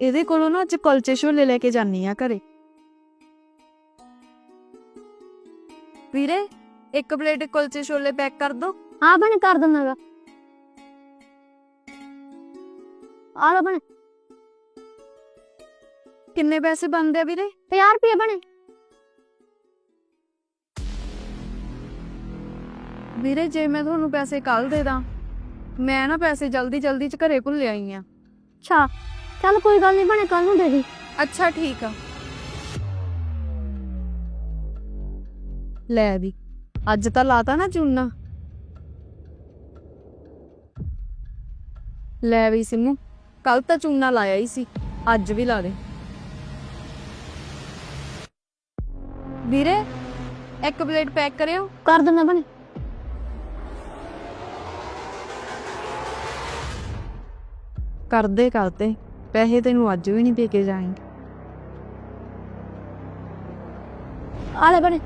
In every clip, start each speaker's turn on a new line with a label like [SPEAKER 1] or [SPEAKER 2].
[SPEAKER 1] ਇਹਦੇ ਕੋਲੋਂ ਨਾ ਅੱਜ ਕੁਲਚੇ ਛੋਲੇ ਲੈ ਕੇ ਜਾਨੀ ਆ ਘਰੇ। ਵੀਰੇ ਇੱਕ ਪਲੇਟ ਕੁਲਚੇ ਛੋਲੇ ਪੈਕ ਕਰ ਦੋ।
[SPEAKER 2] हाँ बने कर दूंगा। आ लो बने।
[SPEAKER 1] ਕਿੰਨੇ ਪੈਸੇ ਬਣਦੇ ਆ ਵੀਰੇ?
[SPEAKER 2] 50 रुपये बने।
[SPEAKER 1] ਵੀਰੇ ਜੇ ਮੈਂ ਤੁਹਾਨੂੰ ਪੈਸੇ ਕੱਲ ਦੇ ਦਾਂ, ਮੈਂ ਨਾ ਪੈਸੇ ਜਲਦੀ ਚ ਘਰੇ ਭੁੱਲ ਆਈ ਆ।
[SPEAKER 2] अच्छा चल कोई गल नहीं बने, कल नूं दे दी।
[SPEAKER 1] ਅੱਛਾ ਠੀਕ ਆ। ਲੈ ਵੀ ਅੱਜ ਤਾਂ ਲਾਤਾ ਨਾ ਚੂਨਾ। ਲੈ ਵੀ ਸਿੰਮੂ, ਕੱਲ ਤਾਂ ਚੂਨਾ ਲਾਇਆ ਹੀ ਸੀ, ਅੱਜ ਵੀ ਲਾ ਦੇ। ਵੀਰੇ ਇੱਕ ਪਲੇਟ ਪੈਕ ਕਰਿਓ।
[SPEAKER 2] कर दूंगा बने।
[SPEAKER 1] ਕਰਦੇ ਪੈਸੇ ਤੈਨੂੰ ਅੱਜ ਵੀ ਨਹੀਂ ਦੇ ਕੇ ਜਾਏਂਗੇ।
[SPEAKER 2] आ ले बने।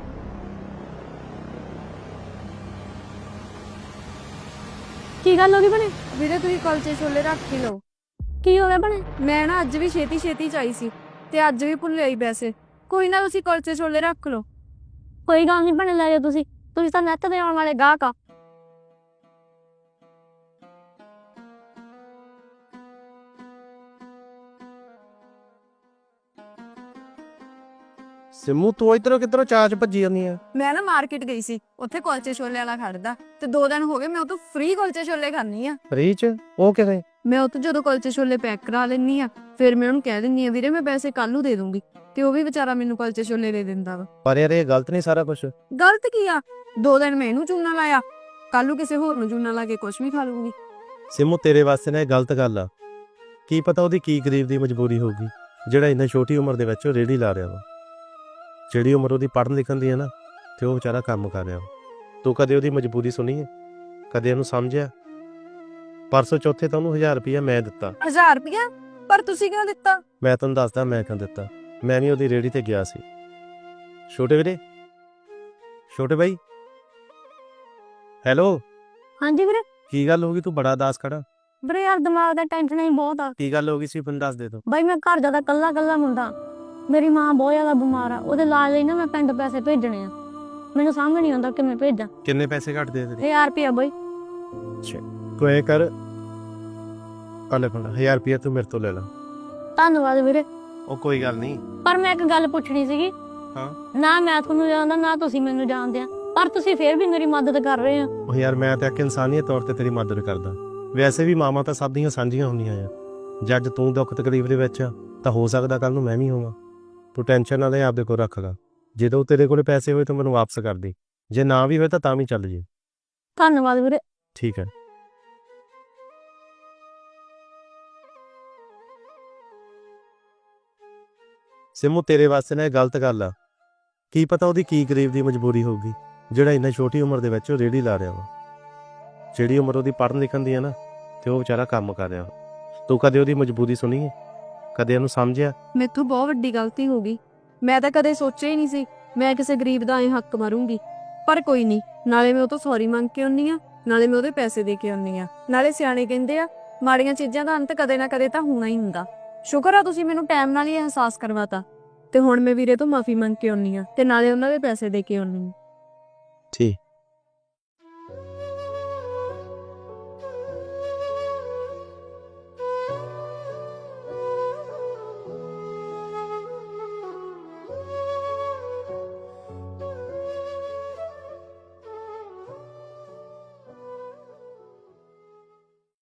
[SPEAKER 2] की गल हो गई बने?
[SPEAKER 1] ਵੀਰੇ ਤੁਸੀਂ ਕੁਲਚੇ ਛੋਲੇ ਰੱਖ ਹੀ ਲਓ।
[SPEAKER 2] की हो गया बने?
[SPEAKER 1] ਮੈਂ ਨਾ ਅੱਜ ਵੀ ਛੇਤੀ ਚ ਆਈ ਸੀ ਤੇ ਅੱਜ ਵੀ ਭੁੱਲ ਆਈ ਪੈਸੇ। ਕੋਈ ਨਾ ਤੁਸੀਂ ਕੁਲਚੇ ਛੋਲੇ ਰੱਖ ਲਓ।
[SPEAKER 2] कोई गल नहीं बने, ले जाओ तुसी तां नैट दे आउण वाले गाहक आ।
[SPEAKER 3] सिमू तू इधरों किधरों चाच भज्जी जानी है?
[SPEAKER 1] ਮੈਂ ਨਾ ਮਾਰਕੀਟ ਗਈ ਸੀ, ਉੱਥੇ ਕੁਲਚੇ ਛੋਲੇ ਵਾਲਾ ਖੜਦਾ ਤੇ 2 ਦਿਨ ਹੋ ਗਏ ਮੈਂ ਉਹ ਤੋਂ ਫ੍ਰੀ ਕੁਲਚੇ ਛੋਲੇ ਖਾਣੀ ਆ।
[SPEAKER 3] फ्री च ओ किथे?
[SPEAKER 1] ਮੈਂ ਉਹ ਤੋਂ ਜਦੋਂ ਕੁਲਚੇ ਛੋਲੇ ਪੈਕ ਕਰਾ ਲੈਣੀ ਆ, ਫਿਰ ਮੈਂ ਉਹਨੂੰ ਕਹਿ ਦਿੰਨੀ ਆ ਵੀਰੇ ਮੈਂ ਪੈਸੇ ਕੱਲ ਨੂੰ ਦੇ ਦੂੰਗੀ, ਤੇ ਉਹ ਵੀ ਵਿਚਾਰਾ ਮੈਨੂੰ ਕੁਲਚੇ ਛੋਲੇ ਦੇ ਦਿੰਦਾ ਵਾ।
[SPEAKER 3] पर यार ये गलत नहीं सारा कुछ।
[SPEAKER 1] ਗਲਤ ਕੀ ਆ? 2 ਦਿਨ ਮੈਂ ਇਹਨੂੰ ਚੂਨਾ ਲਾਇਆ, ਕੱਲ ਨੂੰ ਕਿਸੇ ਹੋਰ ਨੂੰ ਚੂਨਾ ਲਾ ਕੇ ਕੁਛ ਵੀ ਖਾ ਲੂੰਗੀ।
[SPEAKER 3] सिमू तेरे वास्ते ना ये गलत गल आ। की पता ਉਹਦੀ ਕੀ ਗਰੀਬ ਦੀ ਮਜਬੂਰੀ ਹੋਊਗੀ ਜਿਹੜਾ ਇੰਨਾ ਛੋਟੀ ਉਮਰ ਦੇ ਵਿੱਚ ਰੇੜੀ ਲਾ ਰਿਹਾ ਵਾ। ਜਿਹੜੀ ਉਮਰ ਉਹਦੀ ਪੜ੍ਹਨ ਲਿਖਣ ਦੀ ਹੈ ਨਾ, ਤੇ ਉਹ ਵਿਚਾਰਾ ਕੰਮ ਕਰ ਰਿਹਾ ਵਾ। ਤੂੰ ਕਦੇ ਉਹਦੀ ਮਜਬੂਰੀ ਸੁਣੀ ਹੈ? ਕਦੇ ਉਹਨੂੰ ਸਮਝਿਆ? ਪਰਸੋਂ ਚੌਥੇ ਤਾਂ ਉਹਨੂੰ 1000 ਰੁਪਇਆ ਮੈਂ ਦਿੱਤਾ।
[SPEAKER 1] 1000 ਰੁਪਇਆ? ਪਰ ਤੁਸੀਂ ਕਿਉਂ ਦਿੱਤਾ?
[SPEAKER 3] ਮੈਂ ਤੁਹਾਨੂੰ ਦੱਸਦਾ ਮੈਂ ਕਿਉਂ ਦਿੱਤਾ। ਮੈਂ ਵੀ ਉਹਦੀ ਰੇੜੀ ਤੇ ਗਿਆ ਸੀ। ਛੋਟੇ ਵੀਰੇ, ਛੋਟੇ ਬਾਈ, ਹੈਲੋ,
[SPEAKER 2] हाँ जी वीरे।
[SPEAKER 3] ਕੀ ਗੱਲ ਹੋ ਗਈ? ਤੂੰ ਬੜਾ ਉਦਾਸ ਖੜਾ।
[SPEAKER 2] ਵੀਰੇ यार दिमाग दा टेंशन ही बहुत आ।
[SPEAKER 3] ਕੀ ਗੱਲ ਹੋ ਗਈ ਸੀ? ਮੈਨੂੰ ਦੱਸ ਦੇ ਤੂੰ।
[SPEAKER 2] ਬਾਈ ਮੈਂ ਘਰ ਜਿਆਦਾ ਕੱਲਾ ਮੁੰਡਾ, ਮੇਰੀ ਮਾਂ ਬਹੁਤ ਜ਼ਿਆਦਾ ਬਿਮਾਰ ਆ, ਉਹਦੇ ਇਲਾਜ ਲਈ ਨਾ ਮੈਂ ਪਿੰਡ ਪੈਸੇ ਭੇਜਣੇ ਆ, ਮੈਨੂੰ ਸਮਝ ਨਹੀਂ ਆਉਂਦਾ ਕਿਵੇਂ ਭੇਜਾਂ।
[SPEAKER 3] ਕਿੰਨੇ ਪੈਸੇ ਘੱਟ ਦੇ ਤੇਰੇ?
[SPEAKER 2] 1000 ਰੁਪਇਆ ਬਾਈ।
[SPEAKER 3] ਤੂੰ ਇਹ ਕਰ, ਆਲੇ ਫੜ 1000 ਰੁਪਇਆ ਤੂੰ ਮੇਰੇ ਤੋਂ ਲੈ ਲੈ।
[SPEAKER 2] ਧੰਨਵਾਦ ਵੀਰੇ।
[SPEAKER 3] ਉਹ ਕੋਈ ਗੱਲ ਨਹੀਂ।
[SPEAKER 2] ਪਰ ਮੈਂ ਇੱਕ ਗੱਲ ਪੁੱਛਣੀ ਸੀਗੀ।
[SPEAKER 3] ਹਾਂ।
[SPEAKER 2] ਨਾ ਮੈਂ ਤੁਹਾਨੂੰ ਜਾਣਦਾ ਨਾ ਤੁਸੀਂ ਮੈਨੂੰ ਜਾਣਦੇ ਆ, ਪਰ ਤੁਸੀਂ ਫੇਰ ਵੀ ਮੇਰੀ ਮਦਦ ਕਰ ਰਹੇ ਆ।
[SPEAKER 3] ਉਹ ਯਾਰ ਮੈਂ ਤਾਂ ਇੱਕ ਇਨਸਾਨੀਅਤ ਤੌਰ ਤੇ ਤੇਰੀ ਮਦਦ ਕਰਦਾ। ਵੈਸੇ ਵੀ ਮਾਵਾਂ ਤਾਂ ਸਭ ਦੀਆਂ ਸਾਂਝੀਆਂ ਹੁੰਦੀਆਂ ਆ। ਜਦ ਤੂੰ ਦੁੱਖ ਤਕਲੀਫ ਦੇ ਵਿੱਚ ਆ ਤਾਂ ਹੋ ਸਕਦਾ ਕੱਲ ਨੂੰ ਮੈਂ ਵੀ ਹੋਵਾਂ। ਤੂੰ ਟੈਨਸ਼ਨ ਨਾ ਲੈ, ਆਪਦੇ ਕੋਲ ਰੱਖ ਲਾ। ਜਦੋਂ ਤੇਰੇ ਕੋਲ ਪੈਸੇ ਹੋਏ ਤਾਂ ਮੈਨੂੰ ਵਾਪਸ ਕਰ ਦੇ, ਜੇ ਨਾ ਵੀ ਹੋਏ ਤਾਂ ਵੀ ਚੱਲ ਜੇ।
[SPEAKER 2] ਧੰਨਵਾਦ ਵੀਰੇ।
[SPEAKER 3] ਠੀਕ ਹੈ। ਸਿਮੂ ਤੇਰੇ ਵਾਸਤੇ ਨਾ ਇਹ ਗਲਤ ਗੱਲ ਆ। ਕੀ ਪਤਾ ਉਹਦੀ ਕੀ ਗਰੀਬ ਦੀ ਮਜਬੂਰੀ ਹੋਊਗੀ ਜਿਹੜਾ ਇੰਨਾ ਛੋਟੀ ਉਮਰ ਦੇ ਵਿੱਚ ਰੇੜੀ ਲਾ ਰਿਹਾ ਵਾ। ਜਿਹੜੀ ਉਮਰ ਉਹਦੀ ਪੜ੍ਹਨ ਲਿਖਣ ਦੀ ਹੈ ਨਾ, ਤੇ ਉਹ ਵਿਚਾਰਾ ਕੰਮ ਕਰ ਰਿਹਾ ਵਾ। ਤੂੰ ਕਦੇ ਉਹਦੀ ਮਜਬੂਰੀ ਸੁਣੀ ਹੈ? ਕਦੇ ਉਹਨੂੰ ਸਮਝਿਆ?
[SPEAKER 1] ਮੈਥੋਂ ਬਹੁਤ ਵੱਡੀ ਗਲਤੀ ਹੋ ਗਈ। ਮੈਂ ਤਾਂ ਕਦੇ ਸੋਚਿਆ ਹੀ ਨਹੀਂ ਸੀ ਮੈਂ ਕਿਸੇ ਗਰੀਬ ਦਾ ਐ ਹੱਕ ਮਾਰੂੰਗੀ। ਪਰ ਕੋਈ ਨਹੀਂ, ਨਾਲੇ ਮੈਂ ਉਹ ਤੋਂ ਸੌਰੀ ਮੰਗ ਕੇ ਆਉਣੀ ਆ, ਨਾਲੇ ਮੈਂ ਉਹਦੇ ਪੈਸੇ ਦੇ ਕੇ ਆਉਣੀ ਆ। ਨਾਲੇ ਸਿਆਣੇ ਕਹਿੰਦੇ ਆ ਮਾੜੀਆਂ ਚੀਜ਼ਾਂ ਦਾ ਅੰਤ ਕਦੇ ਨਾ ਕਦੇ ਤਾਂ ਹੋਣਾ ਹੀ ਹੁੰਦਾ। ਸ਼ੁਕਰ ਆ ਤੁਸੀਂ ਮੈਨੂੰ ਟਾਈਮ ਨਾਲ ਹੀ ਅਹਿਸਾਸ ਕਰਵਾਤਾ, ਤੇ ਹੁਣ ਮੈਂ ਵੀਰੇ ਤੋਂ ਮਾਫੀ ਮੰਗ ਕੇ ਆਉਣੀ ਆ ਤੇ ਨਾਲੇ ਉਹਨਾਂ ਦੇ ਪੈਸੇ ਦੇ ਕੇ ਆਉਣੀ ਆ।